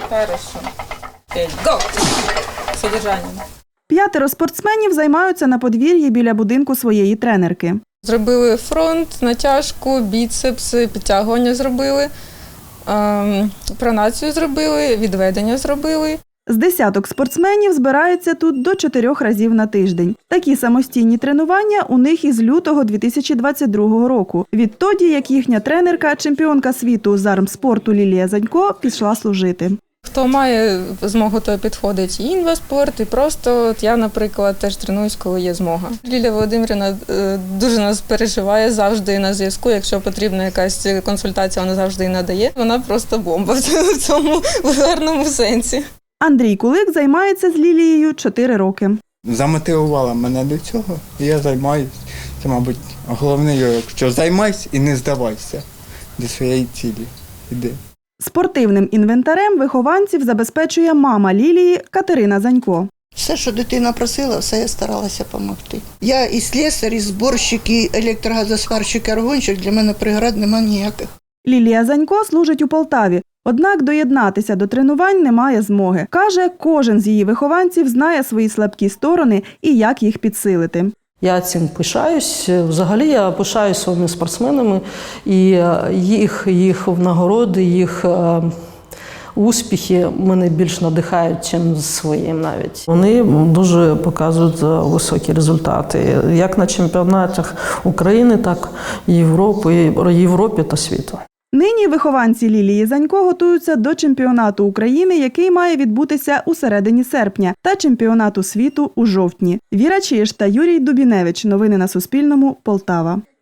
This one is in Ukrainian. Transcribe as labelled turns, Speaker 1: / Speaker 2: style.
Speaker 1: Хорошо. 5. Го! Содержанням.
Speaker 2: 5 спортсменів займаються на подвір'ї біля будинку своєї тренерки.
Speaker 1: Зробили фронт, натяжку, біцепс, підтягування зробили, пронацію зробили, відведення зробили.
Speaker 2: З десяток спортсменів збираються тут до 4 разів на тиждень. Такі самостійні тренування у них із лютого 2022 року. Відтоді, як їхня тренерка, чемпіонка світу з армспорту Лілія Занько, пішла служити.
Speaker 1: Хто має змогу, то підходить і інваспорт, і просто от я, наприклад, теж тренуюсь, коли є змога. Лілія Володимирівна дуже нас переживає, завжди на зв'язку. Якщо потрібна якась консультація, вона завжди її надає. Вона просто бомба в цьому гарному сенсі.
Speaker 2: Андрій Кулик займається з Лілією 4 роки.
Speaker 3: Замотивувала мене до цього, і я займаюся. Це, мабуть, головне, якщо займайся і не здавайся до своєї цілі. Іди.
Speaker 2: Спортивним інвентарем вихованців забезпечує мама Лілії Катерина Занько.
Speaker 4: Все, що дитина просила, все я старалася допомогти. Я і слесар, і зборщик, і електрогазосварщик, і аргонщик, для мене преград немає ніяких.
Speaker 2: Лілія Занько служить у Полтаві, однак доєднатися до тренувань немає змоги. Каже, кожен з її вихованців знає свої слабкі сторони і як їх підсилити.
Speaker 5: Я цим пишаюсь. Взагалі я пишаюсь своїми спортсменами і їх нагороди, їх успіхи мене більш надихають, ніж своїм навіть. Вони дуже показують високі результати, як на чемпіонатах України, так і Європі та світу.
Speaker 2: Нині вихованці Лілії Занько готуються до чемпіонату України, який має відбутися у середині серпня, та чемпіонату світу у жовтні. Віра Чиж та Юрій Дубіневич. Новини на Суспільному. Полтава.